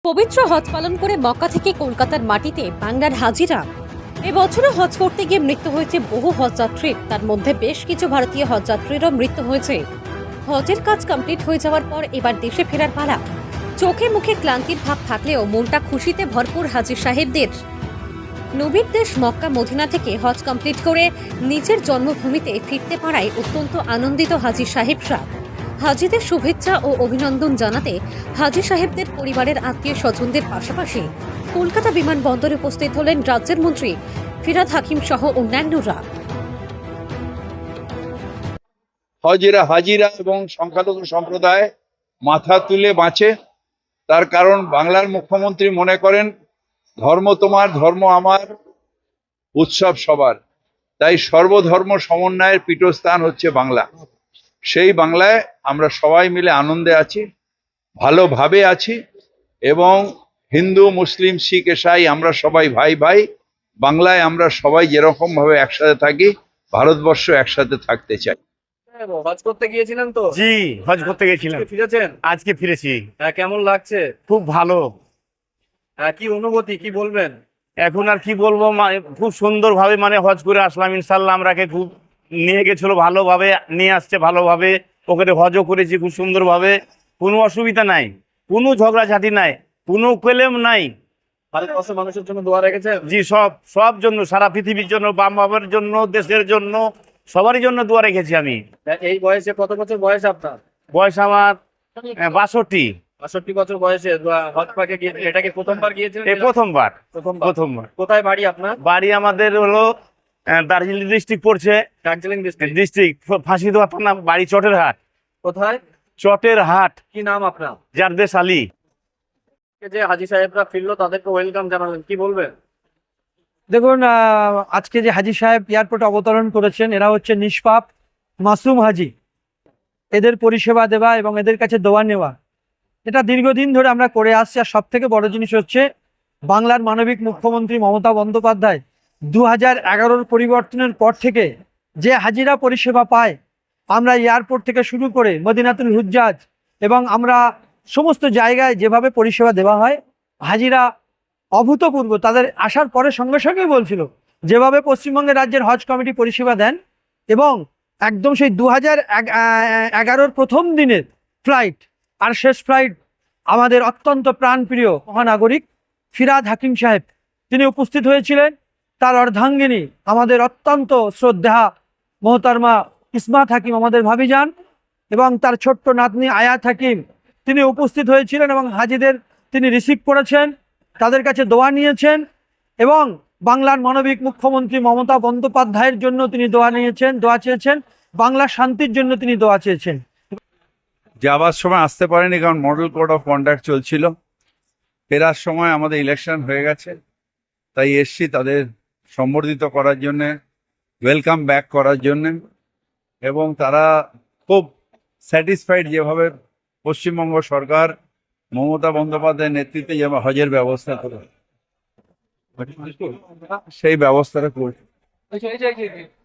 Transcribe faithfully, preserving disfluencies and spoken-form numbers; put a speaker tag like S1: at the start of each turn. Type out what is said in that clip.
S1: পবিত্র হজ পালন করে মক্কা থেকে কলকাতার মাটিতে বাংলার হাজিরা এবছরও হজ করতে গিয়ে মৃত্যু হয়েছে বহু হজযাত্রীর। তার মধ্যে বেশ কিছু ভারতীয় হজযাত্রীরও মৃত্যু হয়েছে। হজের কাজ কমপ্লিট হয়ে যাওয়ার পর এবার দেশে ফেরার পালা। চোখে মুখে ক্লান্তির ভাব থাকলেও মনটা খুশিতে ভরপুর হাজী সাহেবদের। নবীর দেশ মক্কা মদিনা থেকে হজ কমপ্লিট করে নিজের জন্মভূমিতে ফিরতে পারায় অত্যন্ত আনন্দিত হাজী সাহেবরা। হাজীদের শুভেচ্ছা ও অভিনন্দন জানাতে হাজী সাহেবদের পরিবারের আত্মীয় স্বজনদের পাশাপাশি কলকাতা বিমানবন্দরে উপস্থিত হলেন রাজ্যের মন্ত্রী ফিরহাদ হাকিম সহ অন্যান্যরা।
S2: হজেরা হাজিরা এবং সংখ্যালঘু সম্প্রদায় মাথা তুলে বাঁচে। তার কারণ বাংলার মুখ্যমন্ত্রী মনে করেন ধর্ম তোমার, ধর্ম আমার, উৎসব সবার। তাই সর্বধর্ম সমন্বয়ের পীঠস্থান হচ্ছে বাংলা। সেই বাংলায় আমরা সবাই মিলে আনন্দে আছি, ভালোভাবে আছি, এবং হিন্দু মুসলিম শিখ ইসাই আমরা সবাই ভাই ভাই। বাংলায় আমরা সবাই যেরকম ভাবে একসাথে থাকি, ভারতবর্ষ একসাথে থাকতে চাই।
S3: হজ করতে গিয়েছিলেন তো?
S4: জি, হজ করতে গেছিলাম।
S3: ফিরেছেন?
S4: আজকে ফিরেছি।
S3: হ্যাঁ, কেমন লাগছে?
S4: খুব ভালো।
S3: হ্যাঁ, কি অনুভূতি, কি বলবেন?
S4: এখন আর কি বলবো, মানে খুব সুন্দর ভাবে মানে হজ করে আসলাম। ইনশাল্লাহ আমরাকে খুব নিয়ে গেছিল, ভালোভাবে নিয়ে আসছে, ভালোভাবে ওখানে হজও করেছি খুব সুন্দরভাবে। কোনো অসুবিধা নাই, কোনো ঝগড়াঝাটি নাই, কোনো ক্লেম নাই।
S3: ভারতবর্ষের মানুষের জন্য দোয়া রেখেছেন?
S4: জি, সব সব জন্য, সারা পৃথিবীর জন্য, বাম বাবার জন্য, দেশের জন্য, সবারই জন্য দোয়া রেখেছি আমি।
S3: এই বয়সে, কত বছর বয়স আপনার?
S4: বয়স আমার বাষট্টি।
S3: বাষট্টি বছর বয়সে হজ পাকে গিয়েছেন? এটাকে প্রথমবার গিয়েছেন?
S4: এই প্রথমবার।
S3: প্রথমবার।
S4: প্রথমবার।
S3: কোথায় বাড়ি আপনার?
S4: বাড়ি আমাদের হলো আহ, দার্জিলিং ডিস্ট্রিক্ট পড়ছে।
S3: দার্জিলিং ডিস্ট্রিক্ট।
S4: ডিস্ট্রিক্ট ফাঁসিদোয়া থানা, বাড়ি চটের হাট।
S3: কোথায়?
S4: চটের হাট।
S3: কি নাম আপনার?
S4: জারদেশ আলী।
S3: যে হাজী সাহেবরা ফিরলো, তাদেরকে ওয়েলকাম জানালেন, কি বলবেন?
S5: দেখুন, আজকে যে হাজী সাহেব এয়ারপোর্টে অবতরণ করেছেন, এরা হচ্ছে নিষ্পাপ মাসুম হাজী। এদের পরিষেবা দেওয়া এবং এদের কাছে দোয়া নেওয়া, এটা দীর্ঘদিন ধরে আমরা করে আসছি। আর সব থেকে বড় জিনিস হচ্ছে বাংলার মানবিক মুখ্যমন্ত্রী মমতা বন্দ্যোপাধ্যায় দু হাজার এগারোর পরিবর্তনের পর থেকে যে হাজিরা পরিষেবা পায়, আমরা এয়ারপোর্ট থেকে শুরু করে মদিনাতুল হুজ্জাজ এবং আমরা সমস্ত জায়গায় যেভাবে পরিষেবা দেওয়া হয়, হাজিরা অভূতপূর্ব। তাদের আসার পরে সঙ্গে সঙ্গেই বলছিল যেভাবে পশ্চিমবঙ্গের রাজ্যের হজ কমিটি পরিষেবা দেন, এবং একদম সেই দু হাজার এগারোর প্রথম দিনের ফ্লাইট আর শেষ ফ্লাইট আমাদের অত্যন্ত প্রাণপ্রিয় মহানাগরিক ফিরহাদ হাকিম সাহেব তিনি উপস্থিত হয়েছিলেন। তার অর্ধাঙ্গিনী আমাদের অত্যন্ত শ্রদ্ধা মোহতারমা ইসমাত হাকিম, আমাদের ভাবিজান, এবং তার ছোট্ট নাতনি আয়াত হাকিম তিনি উপস্থিত হয়েছিলেন এবং হাজীদের তিনি রিসিভ করেছেন, তাদের কাছে দোয়া নিয়েছেন, এবং বাংলার মানবিক মুখ্যমন্ত্রী মমতা বন্দ্যোপাধ্যায়ের জন্য তিনি দোয়া নিয়েছেন, দোয়া চেয়েছেন, বাংলার শান্তির জন্য তিনি দোয়া চেয়েছেন।
S2: যাবার সময় আসতে পারেনি, কারণ মডেল কোড অফ কন্ডাক্ট চলছিল। ফেরার সময় আমাদের ইলেকশন হয়ে গেছে, তাই এসছি তাদের সম্বর্ধিত করার জন্যে, ওয়েলকাম ব্যাক করার জন্যে। এবং তারা খুব স্যাটিসফাইড যেভাবে পশ্চিমবঙ্গ সরকার মমতা বন্দ্যোপাধ্যায়ের নেতৃত্বে যে হজের ব্যবস্থা করে, সেই ব্যবস্থাটা করছে।